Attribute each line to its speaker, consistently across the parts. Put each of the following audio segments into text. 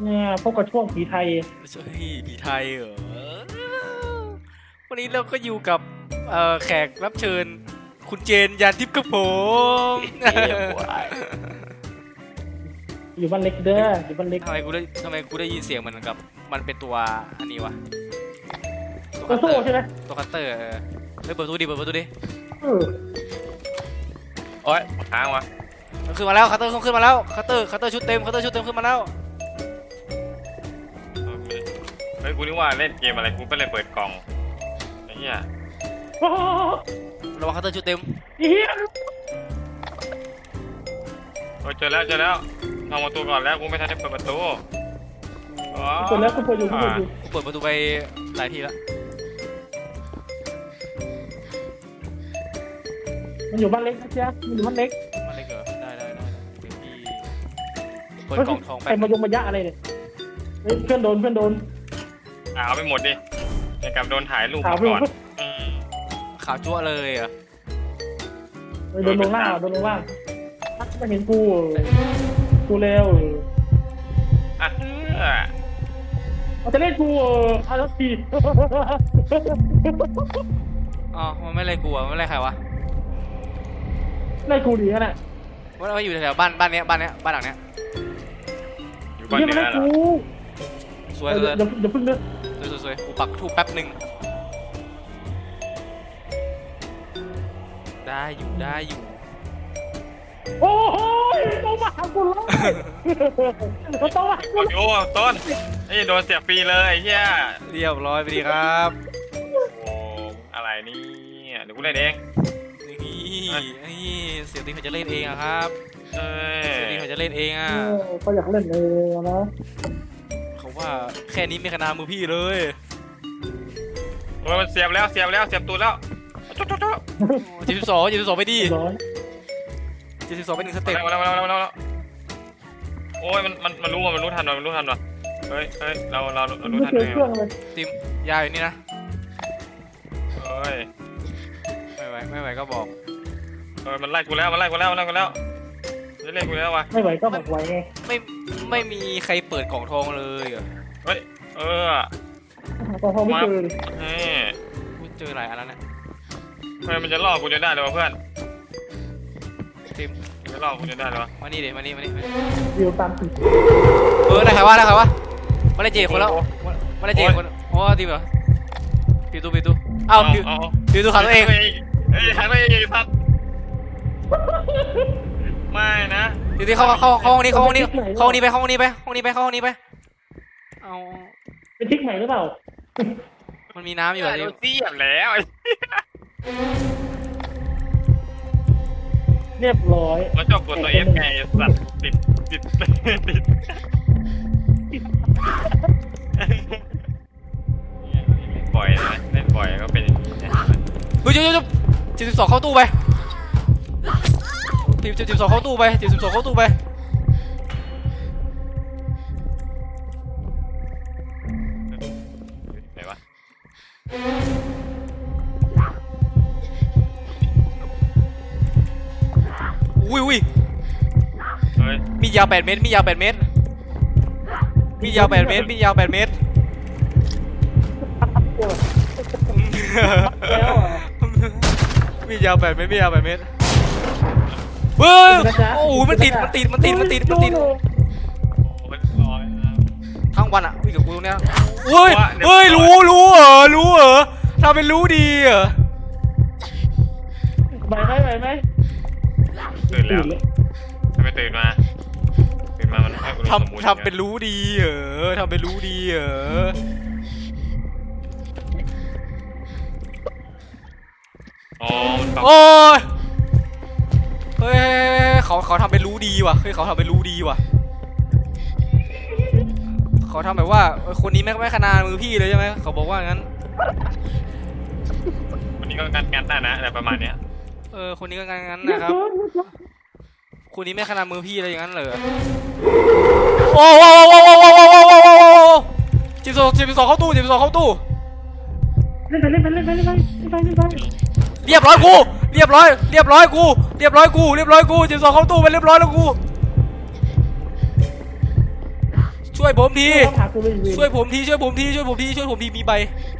Speaker 1: เนี่ยพบกับช่วงผีไทย
Speaker 2: เฮ้ยผีไทยเหรอวันนี้เราก็อยู่กับแขกรับเชิญคุณเจนยานทิพย์กับผม
Speaker 1: อยู่บ้านเล็กเด้ออยู่บ้านเล็ก
Speaker 2: ทำไมกูได้ยินเสียงมันกับมันเป็นตัวอันนี้วะ
Speaker 1: ตัวโซ่ใช่ไหม
Speaker 2: ตัวคัตเตอร์เปิดประตูดิเปิดประตูดิ
Speaker 1: เออ
Speaker 3: โอ๊ยค้างวะ
Speaker 2: มันขึ้นมาแล้วคัตเตอร์ขึ้นมาแล้วคัตเตอร์ชุดเต็มขึ้นมาแล้ว
Speaker 3: เฮ้ยกูนึกว่าเล่นเกมอะไรกูก็เลยเปิดกล่องไอ้เหี้ย
Speaker 1: โอ้โห
Speaker 2: ระวังคัตเตอร์ชุดเต็ม
Speaker 1: เฮีย
Speaker 3: โอ้ยเจอแล้วทำประตูก่อนแล้วกูไม่ทันได้เปิดประตูอ๋อ
Speaker 1: เปิดแล้วกูเปิดอยู่
Speaker 2: กูเปิดประตูไปหลายทีแล้ว
Speaker 1: มันอยู่บ้านเล็กนะจ๊ะมันอยู่บ้านเล็ก
Speaker 2: มันเลยเกิดได้เดี๋ยวพี่เปิดกล่องทอง
Speaker 1: ใค
Speaker 2: แป๊
Speaker 1: ร
Speaker 2: บ
Speaker 1: มายงมายะอะไรเนี่ยเฮ้ยเพื่อนโดน
Speaker 3: เอาไปหมดดิอย่างกับโดนถ่ายรูป
Speaker 1: ข่าว
Speaker 3: มา
Speaker 1: เพื่อ
Speaker 3: ก่อน น
Speaker 2: ขาวจั่วเลยอ่ะ
Speaker 1: โดนลงล่างไม่เห็นกูเร็ว
Speaker 3: อ่ะ
Speaker 1: เขาจะเล่นกูเอาแล้วที
Speaker 2: อ๋อมันไม่เลยกลัวมันไม่เลยใครวะ
Speaker 1: เล่นกูดีขนาด
Speaker 2: ว่าอยู่แถวบ้านเนี้ยบ้านหลังเนี้ย
Speaker 3: อยู่บ้าน
Speaker 1: เฮีย
Speaker 3: เนื้
Speaker 1: มา
Speaker 3: อ
Speaker 1: เล่น
Speaker 3: เหรอ
Speaker 1: กู
Speaker 2: สวย
Speaker 1: เดี๋ยวพึ่งเลือก
Speaker 2: กูปักทูบแป๊บหนึ่งได้อยู่
Speaker 1: โอ้โหต้องมาหากูแล้วมันต้องมาหากู
Speaker 3: โอ้ต้นไอ้โดนเสียบฟรีเลยไอ้เหี้ย
Speaker 2: เรียบร้อยไปดีครับ
Speaker 3: โอ้อะไรนี่เดี๋ยวกูเล่นเอง
Speaker 2: นี่เสียงตีเขาจะเล่นเองอะครับ
Speaker 3: เอ้ย
Speaker 2: เสียงตีเขาจะเล่นเองอะ
Speaker 1: เขาอยากเล่นเองนะ
Speaker 2: เขาว่าแค่นี้ไม่ขนาดมือพี่เลย
Speaker 3: โอ้ยมันเสียบตูดแล้วจุ๊บ
Speaker 2: 72ไปดิ
Speaker 1: ร้อย
Speaker 2: 72ไป1สเต็ป
Speaker 3: มาแล้วโอ้ยมันรู้ทันว่ะเฮ้ยเรารู้
Speaker 1: ไม่
Speaker 3: ทัน
Speaker 1: เจอ
Speaker 3: ไง
Speaker 1: เครื่องเลย
Speaker 2: ติมยาอยู่นี่นะ
Speaker 3: เฮ้ย
Speaker 2: ไม่ไหวก็บอก
Speaker 3: มันไล่กูแล้วจะเล่นกูแล้ววะ
Speaker 1: ไม่ไหวก็บอกไหวไง
Speaker 2: ไม่มีใครเปิดกล่องทองเลยอะ
Speaker 3: เฮ้ย
Speaker 1: พอไม่เจอ
Speaker 3: นี่
Speaker 2: กูเจอหลายอันแล้วนะ
Speaker 3: เฮ้ยมันจะล่อกูจนได้เลยวะเพื่อน
Speaker 2: ติม
Speaker 3: จะล่อกูจนได้เลยวะ
Speaker 2: มานี่ดิมานี่
Speaker 1: วิวตามติด
Speaker 2: ได้ใครวะมาได้เจคนแล้วมาได้เจคนอ๋อติมเหรอปิวตู้อ้าวปิวตู้ขาตัวเอง
Speaker 3: เฮ้ยขังตัวเองสัตว์ไม่นะ
Speaker 2: ปิวตู้เข้าห้องนี้เข้าห้องนี้ไปเอา
Speaker 1: เป็นทิกใหม่หรือเปล่า
Speaker 2: มันมีน้ำอยู่อะ
Speaker 3: โดนเสียบแล้ว
Speaker 1: เรียบร้อย
Speaker 3: มันชอบกดตัวเอฟไงสัตว์ติดปล่อยนะเล่นปล่อยก็เป็นอย่างนี้นะ
Speaker 2: เฮ้ย72เข้าตู้ไปทีม72เข้าตู้ไป
Speaker 3: ไหนวะ
Speaker 2: อุ้ย
Speaker 3: เฮ้ย
Speaker 2: มียาว8 เมตรมียาว8 เมตร มียาว8 เมตร
Speaker 1: แล้วอ่ะ
Speaker 2: มียาว8 เมตรเฮ้ยโอ้โหมันติด
Speaker 3: โอ้มันลอยนะ
Speaker 2: ทั้งวันอะวิ่งกับกูตรงเนี้ยเฮ้ยรู้เหรอทำเป็นรู้ดีเหรอ
Speaker 1: ไหวไหม
Speaker 3: ตื่นแล้วทำไมตื่นมามันให้กูสมมุติ
Speaker 2: ทำเป็นรู้ดีเหรอ
Speaker 3: อ๋อมันปรับ
Speaker 2: โอ้ยเฮ้ยเขาทำเป็นรู้ดีว่ะเขาทำแบบว่าคนนี้ไม่ขนาดมือพี่เลยใช่ไหมเขาบอกว่างั้น
Speaker 3: วันนี้ก็งัดได้นะอะไรประมาณเนี้ย
Speaker 2: คนนี้ก็งั้นนะครับคนนี้ไม่ขนาดมือพี่อะไรอย่างนั้นเลยโอ้72เข้าตู้
Speaker 1: เล่นไป
Speaker 2: เรียบร้อยกู72เข้าตู้ไปเรียบร้อยแล้วกูช่วยวยผมที
Speaker 1: ต้องหากูเลยเวร
Speaker 2: ช่วยผมทีช่วยผมทีช่วยผมทีช่วยผมทีมีใบ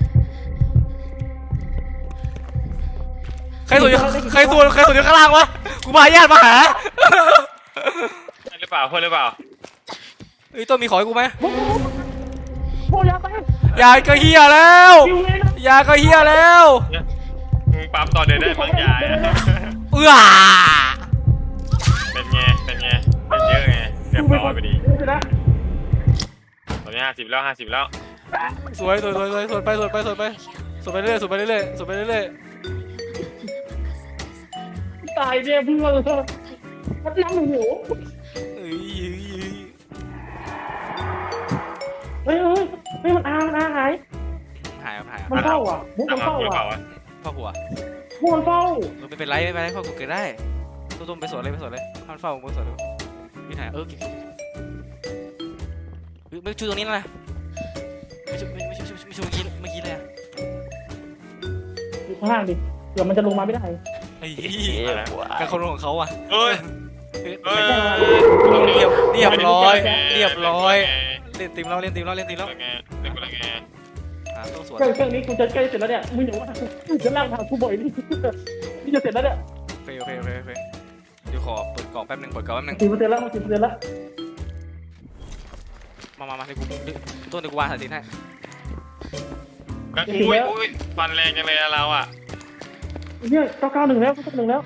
Speaker 2: ใครส่วนอยู่ข้างล่างวะกูพาญาติมาหา
Speaker 3: ใช่หรือเปล่าเพื่อนหรือเปล่า
Speaker 2: เฮ้ยต้นมีขอให้กูไหม
Speaker 1: โอ้ยยาไป
Speaker 2: ยาก็เฮียแล้ว
Speaker 1: คิวเลยนะ
Speaker 2: ยาก็เฮียแล้ว
Speaker 3: มึงปั๊มตอนเดินได้บางอย่างอะ
Speaker 2: เอื้อ
Speaker 3: เป็นไงเป็นเยอะไงเรียบร้อยไปดี
Speaker 1: นะ
Speaker 3: ตอนนี้50แล้ว
Speaker 2: สวยสวนไปเรื่อยสวนไปเรื่อย
Speaker 1: ตายเนี่ยเพื่อนมันน้ำหิว
Speaker 2: เอ้ย
Speaker 1: เฮ้ยมันอาหาย
Speaker 2: หาย
Speaker 1: มันเฝ้าอ่ะมุกมันเฝ้า
Speaker 3: หรือเป
Speaker 1: อ่ะ
Speaker 3: ล่าวะ
Speaker 2: พ่อหัว
Speaker 1: มุกมันเฝ้า
Speaker 2: ไม่เป็นไรพ่อกูเกิดได้ตุ้มไปสวนเลยท่านเฝ้าไปสวนเลยพี่หายไม่ชูตรงนี้นะไม่ชูเมื่อกี้เลย
Speaker 1: อยู่ข้างล่างดิเดี๋ยวมันจะลงมาไม่ได้
Speaker 2: ไอ้การคนของเขาอ่ะ
Speaker 3: เฮ้ย
Speaker 2: เรียบร้อยเล่นทีมแล้ว
Speaker 3: เล่นกูละไง
Speaker 2: ต้องสวน
Speaker 1: เครื่องนี้กูจะใกล้เสร็จแล้วเนี่ยมึงอย่าว่ากูจะลากทางกูบ่อยนี่นี่จะเสร็จแล้วเนี่ย
Speaker 2: โอเคเดี๋ยวขอเปิดกล่องแป๊บนึง
Speaker 1: 40%แล้ว40%แล้ว
Speaker 2: มาเดี๋ยวกูต้นเดี๋ยวกูวางสายสินให้
Speaker 3: อุ้ยฟันแรงจังเลยเราอ่ะ
Speaker 1: เนี่ย991แล้ว991แล้ว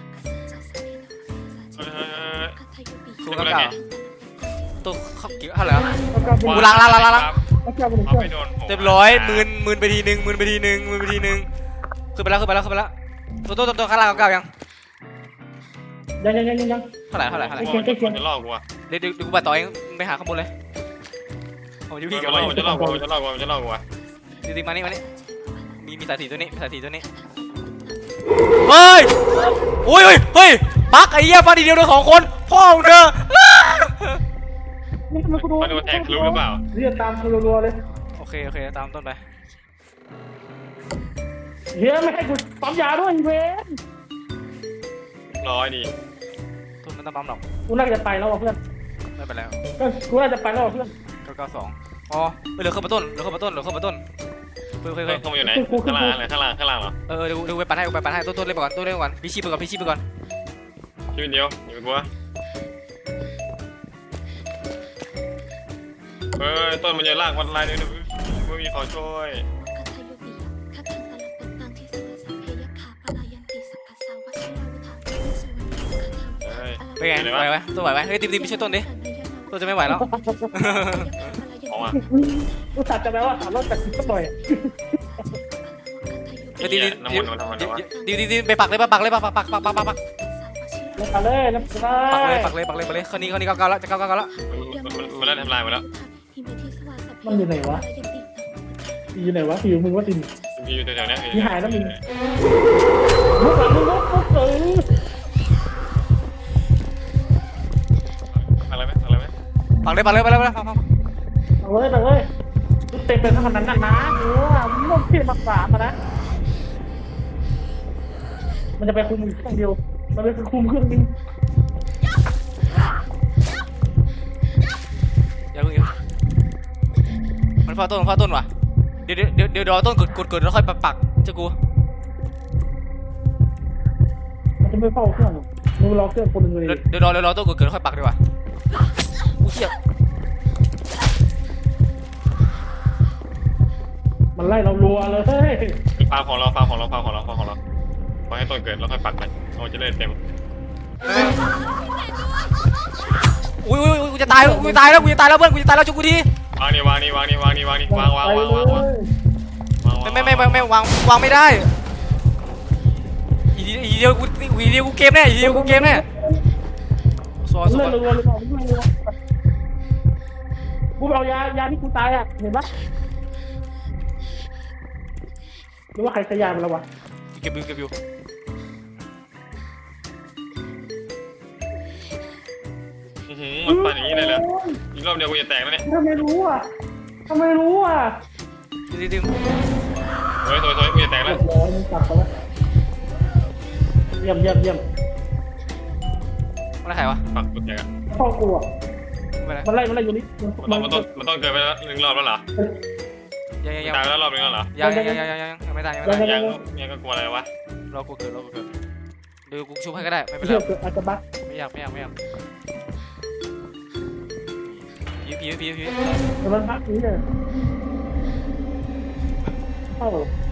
Speaker 2: สู้กับเก่าตัวเขาเกี่ยวเท่าไหร่
Speaker 1: 991
Speaker 2: กูล้าง
Speaker 1: 991
Speaker 3: เอาไปโดน
Speaker 2: เรียบร้อยมืนไปทีนึงขึ้นไปแล้วตัวข้างล่างเก่ายัง
Speaker 1: ยัง
Speaker 2: เท่าไหร่
Speaker 3: จะลอกกูอ่ะ
Speaker 2: เดี๋ยวกูไปต่อเองไปหาข้างบนเลยผมจะวิ่งกลับไป
Speaker 3: จะลอกกูอ่ะ
Speaker 2: จริงๆมานี่มีสายสีตัวนี้เฮ้ยบักไอ้เหี้ยฟาดทีเดียวโดน2 คนพ่อมึงเธอ
Speaker 1: นี่ทำไมกูโดน
Speaker 3: มาดูแท็กรู้หรือเปล่า
Speaker 1: เรียกตามรัวๆเลย
Speaker 2: โอเคตามต้นไป
Speaker 1: เฮียไม่ให้กูปั๊มยาด้วยเวน
Speaker 3: ร้อยดี
Speaker 2: ต้นมันต้องปั๊มหรอก
Speaker 1: กูน่าจะไปแล้วเพื่อน
Speaker 2: ไม่เป็นไร
Speaker 1: กูน่าจะไปแล้วเพื่อน
Speaker 2: 992อ๋อไปเหลือเข้ามาต้นเฮ้ย
Speaker 3: เข้ามาอยู่ไหนข้างล่างเหรอ
Speaker 2: เดี๋ยวไปปั่นให้ต้นเล่นไปก่อนพี่ชีพไปก่อน
Speaker 3: ชีวิตเดียวอยู่กูต้นมันจะลากวันลายด้วยไม่มีขอช่วย
Speaker 2: เป็นไงไหวไหมต้นไหวไหมเฮ้ยทีมไปช่วยต้นดิต้นจะไม่ไหวแล้ว
Speaker 3: ออกมา
Speaker 1: กูตัดจะแปลว่า300จากสักหน่อย
Speaker 3: น้ำมันมันทำอะไรวะ
Speaker 2: ดีไปปักเลยปัก
Speaker 1: แล้วไปเลยแล้วไปเลย
Speaker 2: ปักเลยคนนี้เก้าแล้วจะเก้าแล้ว
Speaker 3: มันได้ทำลายหมดแล้ว
Speaker 1: มันอยู่ไหนวะอยู่มึงว่าติน
Speaker 3: พี่อยู่แถวนี้
Speaker 1: ที่หายแล้วมึงมุกหลังมึงมุกเออ
Speaker 3: อะไรไหม
Speaker 2: ปักเลย
Speaker 1: เอาเลยเต็มเป็นขนาดนั้นนะมึงต้องเทียบมา3มานะมันจะไปคุมอีกเครื่องเดียวมันไปคุมเครื่องนึง
Speaker 2: อย่าเพิ่งมันฟาต้นว่ะเดี๋ยวรอต้นกดแล้วค่อยปักเจ้ากู
Speaker 1: มันจะไม่เฝ้าเครื่องมึงรอเครื่องคนนึงเลย
Speaker 2: เดี๋ยวรอต้นกดแล้วค่อยปักดีกว่ากูเชี่ย
Speaker 1: มันไล่เรารัวเลย
Speaker 3: ฟาร์มของเราพอให้ต้นเกิดแล้วค่อยปักมันเราจะได้เต็ม
Speaker 2: อุ้ยกูจะตายแล้วเพื่อนกูจะตายแล้วจุกกูที
Speaker 3: วางนี่ไม่
Speaker 2: ได้อีเดียวกูเกมแน่สวย
Speaker 1: เลื่อนรัวเลยกูเอายาที่กูตายอ่ะเห็นปะหรือว่าใครขยายมันแล้ววะ
Speaker 2: เก็บอยู่
Speaker 3: มันปั่นอย่างนี้เลยเหรออีกรอบเดียวกูจะแตกแล้วเนี่ย
Speaker 1: ทำไมรู้อ่ะ
Speaker 2: ดิ
Speaker 3: สวยกูจะแตกแล้ว
Speaker 1: ร้อยมึงกลับไปแล้วเยี่ยม
Speaker 2: มันใครวะ
Speaker 3: ปักกูแตก
Speaker 1: พ่อกูอ่ะ
Speaker 2: ไม่เป็นไร
Speaker 1: มันไล่อยู่นี่
Speaker 3: มันต้องเกิดไปแล้ว1 รอบแล้วเหรอ
Speaker 2: ยัง
Speaker 3: ตายไปแล้วรอบนึงแล้วเหรอ
Speaker 2: ยังไม่ตายยังไม่ตาย
Speaker 3: ยังก็กลัวอะไรวะ
Speaker 2: รอกูเกิดเดี๋ยวกูชุบให้ก็ได้ไม่เป็นไร
Speaker 1: เชื่อเกิดอาจจะบั๊ก
Speaker 2: ไม่อยากผี
Speaker 1: แต่มันพักนี้เลยเข้า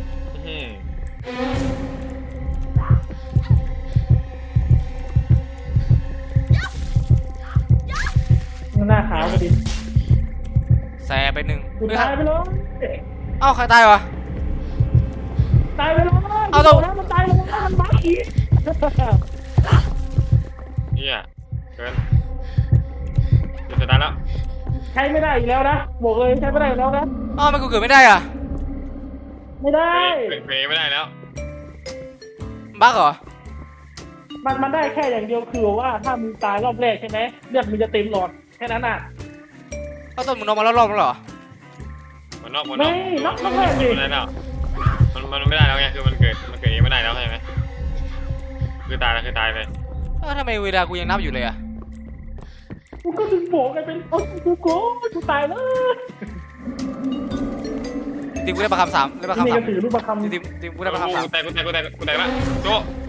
Speaker 1: หน้าขาวพอดี
Speaker 2: แสบไปหนึ่ง
Speaker 1: กูตายไปเลย
Speaker 2: เอ้าใครตายวะ
Speaker 1: ตายไปเลย
Speaker 2: เอาตัว
Speaker 1: แล้วมันตายแล้วมันบั๊กอีก
Speaker 3: เฮียเกินจะตายแล้ว
Speaker 1: ใช้ไม่ได้อีกแล้วนะบอกเลยใช้ไม่ได้อีกแล้วนะ
Speaker 2: เอ้ามันกูเกิดไม่ได้อ่ะ
Speaker 1: ไม่ได้
Speaker 3: เพลงไม่ได้แล้ว
Speaker 2: บั๊กเหรอ
Speaker 1: มันได้แค่อย่างเดียวคือว่าถ้ามึงตายรอบแรกใช่ไหมเลือดมึงจะเต็มหลอดแค่นั้นน่ะ
Speaker 2: เอ้าต้นมึงนอนมาแล้วรอบแล้วเหรอ
Speaker 3: มันนอกไม่ได้แล้วมันไม่ได้แล้วไงคือมันเกิดเองไม่ได้แล้วใช่ไหมคือตายแล้วคือตายเลย
Speaker 2: เอ้าทำไมเวลากูยังนับอยู่เลยอ่ะ
Speaker 1: กูก็ถึงบอกไงเป็นโอ้กูตายแล้ว
Speaker 2: ทีมกูได้ประคำ3ได้ประคำ
Speaker 1: นี่
Speaker 2: 3
Speaker 1: ก็ถือรูปประคำ
Speaker 2: ทีมกูได้ประคำ3
Speaker 3: กูแตกละโจ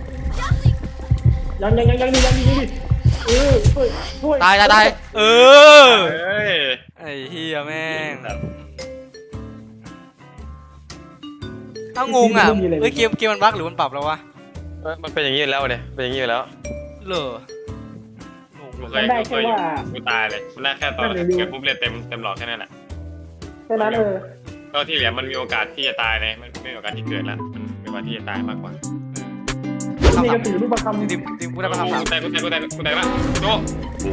Speaker 1: ยังช่วย
Speaker 2: ตายเออ
Speaker 3: เฮ้ย
Speaker 2: ไอ้เฮียแม่งเอ้างงอ่ะเฮ้ยเกมมันบั๊กหรือมันปรับแล้ววะ
Speaker 3: มันเป็นอย่างนี้แล้วเนี่ยเป็นอย่างนี้แล้ว
Speaker 2: เหรอ
Speaker 1: มันได้แค่ว่า
Speaker 3: กูตายเลยมันได้แค่ตอนเกิดปุ๊บเลือดเต็มหลอดแค่นั้นแหละ
Speaker 1: แค่นั้น
Speaker 3: ก็ที่เหลือมันมีโอกาสที่จะตายเลยมันไม่มีโอกาสที่เกิดแล้วมันมีโอกาสที่จะตายมากกว่า
Speaker 1: นี่ก็ถือรูปประคำ
Speaker 2: ทีมกูได้ประคำ3
Speaker 3: กูแตกละโจ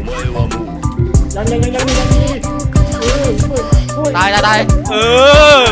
Speaker 1: ยังช่วย
Speaker 2: ตายเออ